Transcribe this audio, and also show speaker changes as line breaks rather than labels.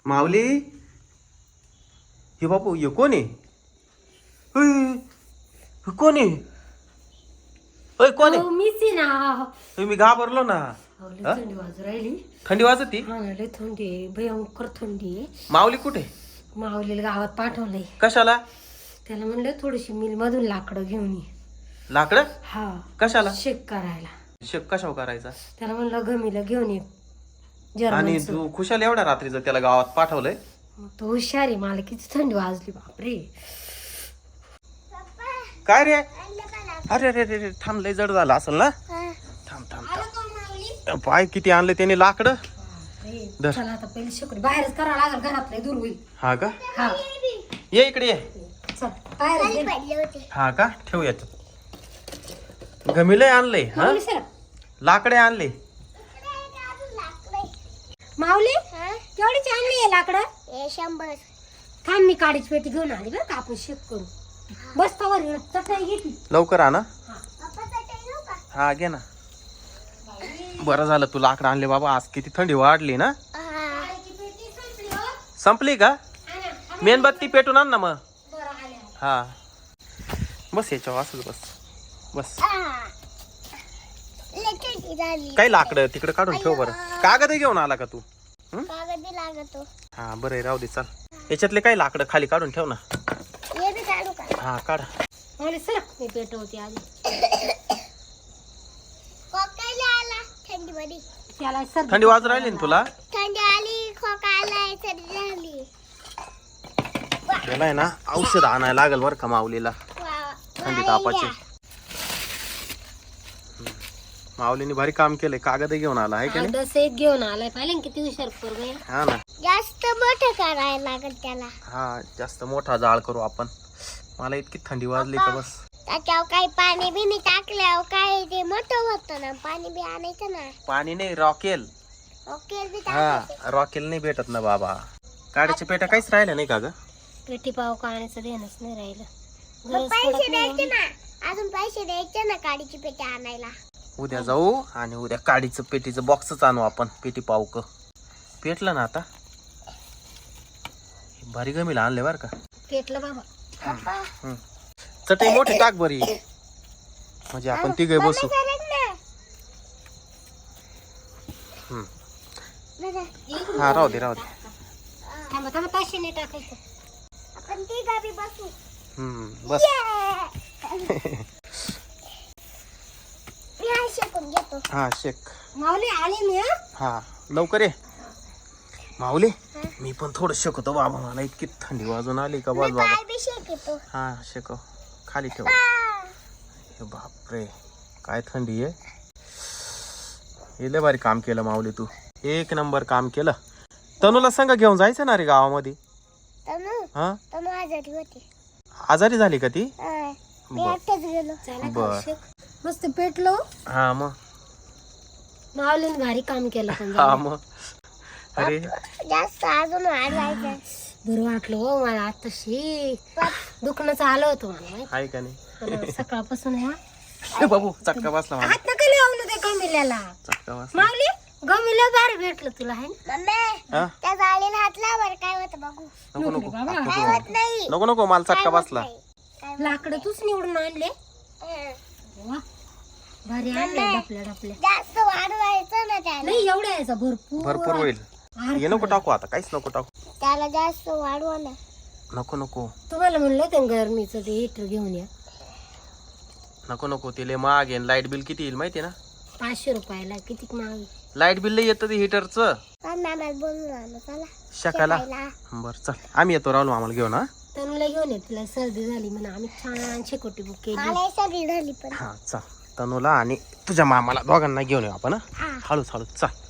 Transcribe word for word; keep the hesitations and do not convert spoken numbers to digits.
माऊली हे बापू हे कोण आहे? हुई, हे कोण आहे? ओय कोण आहे?
अहो, मीच आहे ना.
हुई, मी घाबरलो ना.
अहो, लय
हा?
थंडी वाजू राहिली.
थंडी वाजती?
हा ना, लय थंडी आहे, भयंकर थंडी आहे.
माऊली कुठे?
माऊलीला गावात पाठवलंय.
कशाला?
त्याला म्हणलं थोडीशी मिल मधून लाकडं घेऊन ये.
लाकडं?
हा.
कशाला?
शेक करायला.
शेक कशावर करायचा?
त्याला म्हणलं गमीला घेऊन ये.
आणि
जर्मनचं.
तू खुशाल एवढ्या रात्रीचं त्याला गावात पाठवलंय?
तो हुशार आहे. मला किती थंडी वाजली बापरे.
काय रे? अरे अरे अरे थांब, लय जड झालं असेल ना. थांब थांब थांब. पाय किती आणले त्याने लाकडं. धर.
चला आता पहिले शेकडी बाहेरच करावं लागेल, घरातलं दूर होईल.
हा का?
हा
ये इकडे ये.
चल बाहेर
हा का? ठेव याच्यात. गमिलय आणले हा, लाकडे आणले.
माऊली केवढीची आणली आहे लाकडं?
शंभर.
थांब, मी काडीची पेटी घेऊन आली बरं का, आपण शेक करू. बसतावर चटई घेतली.
लवकर आणा. हा घे ना. बरं झालं तू लाकडं आणले बाबा, आज किती थंडी वाढली ना. संपली का? मेणबत्ती पेटून आण ना मग. हा बस याच्यावर असंच बस बस. काही लाकडं तिकडे काढून ठेव बरं. कागद घेऊन आला का तू?
कागद लागतो.
हा बरं राहू दे. चाल याच्यातले काही लाकडं खाली काढून ठेव ना.
ये बी काढू का?
हा काढ.
माऊली सर मी पेटवते आधी.
खोकायला आला थंडी मध्ये.
त्याला सर्दी
थंडी वाजू राहिली ना तुला?
थंडी आली, खोका आलाय, सर्दी झाली.
त्याला आहे ना औषध आणायला लागेल बरं का माऊलीला,
वा-
थंडी तापाचे. माऊलीने भारी काम केलंय. कागद घेऊन आला आहे का नाही?
दस एक घेऊन आलाय. पाहिलं ना किती हुशार पोरगं आहे.
हा ना.
जास्त मोठं करायला लागल त्याला.
हा जास्त मोठा जाळ करू आपण. मला इतकी थंडी वाजली का बस.
त्याच्यावर काही पाणी बिनी टाकल्यावर काय ते मोठं होतं ना. पाणी बी आणायचं ना.
पाणी नाही, रॉकेल.
ओके बी
हा
टाकायचं.
रॉकेल नाही भेटत ना बाबा. काड्याच्या पेट्या काहीच राहिल्या नाही का ग?
पेटी पाव काढण्याचं देणंच नाही राहिलं.
मग
गरज
पैसे
पडत
द्यायचे
नाही.
ना. अजून पैसे द्यायचे ना काडीची पेटी आणायला.
उद्या जाऊ आणि उद्या काडीचं पेटीचं बॉक्सच आणू आपण. पेटी पाऊक पेटलं ना आता. भारी गमीला आणले बर का.
पेटलं बाबा.
हम्म. चटई मोठी टाक बरी, म्हणजे आपण तिघे बसू. हम्म. हा राहू दे राहू दे.
थांबा थांबा, ताशी नाही टाकायचं.
आपण तिघं बी बसू.
हम्म बस.
मी हा शेकून घेतो.
हा शेक.
माऊली आली मी. हा
हा लवकर ये माऊली. मी पण थोडं शेकतो बाबा, मला इतकी थंडी वाजून आली का बस बाबा.
काय बी शेकतो.
हा शेकव. खाली ठेव. हे बापरे काय थंडी आहे. हे लय भारी काम केलं माऊली तू. एक नंबर काम केलं. तनूला संग घेऊन जायचं ना रे गावामध्ये.
तनु
हा
तनु आजारी होती.
आजारी झाली का ती?
हा. मी
बर
एकटाच गेलो.
चला
बर.
का शेक. मस्त पेटलो.
हा मग.
माऊलीने भारी काम केलं पण
हा
जरा.
मग. अरे
जास्त अजून वाढवायचं.
बरं वाटलं हो मला. आताशी दुखणंच आलं होतं मला माहिती.
आहे का नाही?
आणि सकाळपासून हा
ए बाबू चटका बसला मला.
हात नका लावू ना त्या गमिल्याला.
चटका बसला.
माऊली गमिला भारी भेटलं तुला आहे ना.
मम्मी
हा
त्या जाळीला हात लावर काय होतं बघू.
नको नको
बाबा.
काय होत नाही.
नको नको मला चटका बसला.
काय
लाकडं तूच निवडून आणले.
हं.
वा भारी आणले डपल्या डपल्या.
जास्त वाढवायचं ना त्याला.
नाही एवढ्या यायचा भरपूर.
भरपूर होईल. हे नको टाकू आता, काहीच नको टाकू.
त्याला जास्त वाढवा ना.
नको नको
तुम्हाला म्हणलं होतं ना गरमीचं ते हिटर घेऊन या.
नको नको. तिले महाग आहे. लाईट बिल किती येईल माहिती ना?
पाचशे रुपयाला किती महाग.
लाईट बिल लई येतं ते हिटरचं.
काय मॅम बोलून आलो चला.
शकाला.
शेकायला.
बर चल आम्ही येतो. राहुल आम्हाला घेऊन. हा
तनुला घेऊन ये. तिला सर्दी झाली म्हणून आम्ही छान शेकोटी बुक केली.
मला सगळी झाली पण.
हा चल तनूला आणि तुझ्या मामाला दोघांना घेऊन येऊ आपण. हा
हा.
हळूच हळूच चल.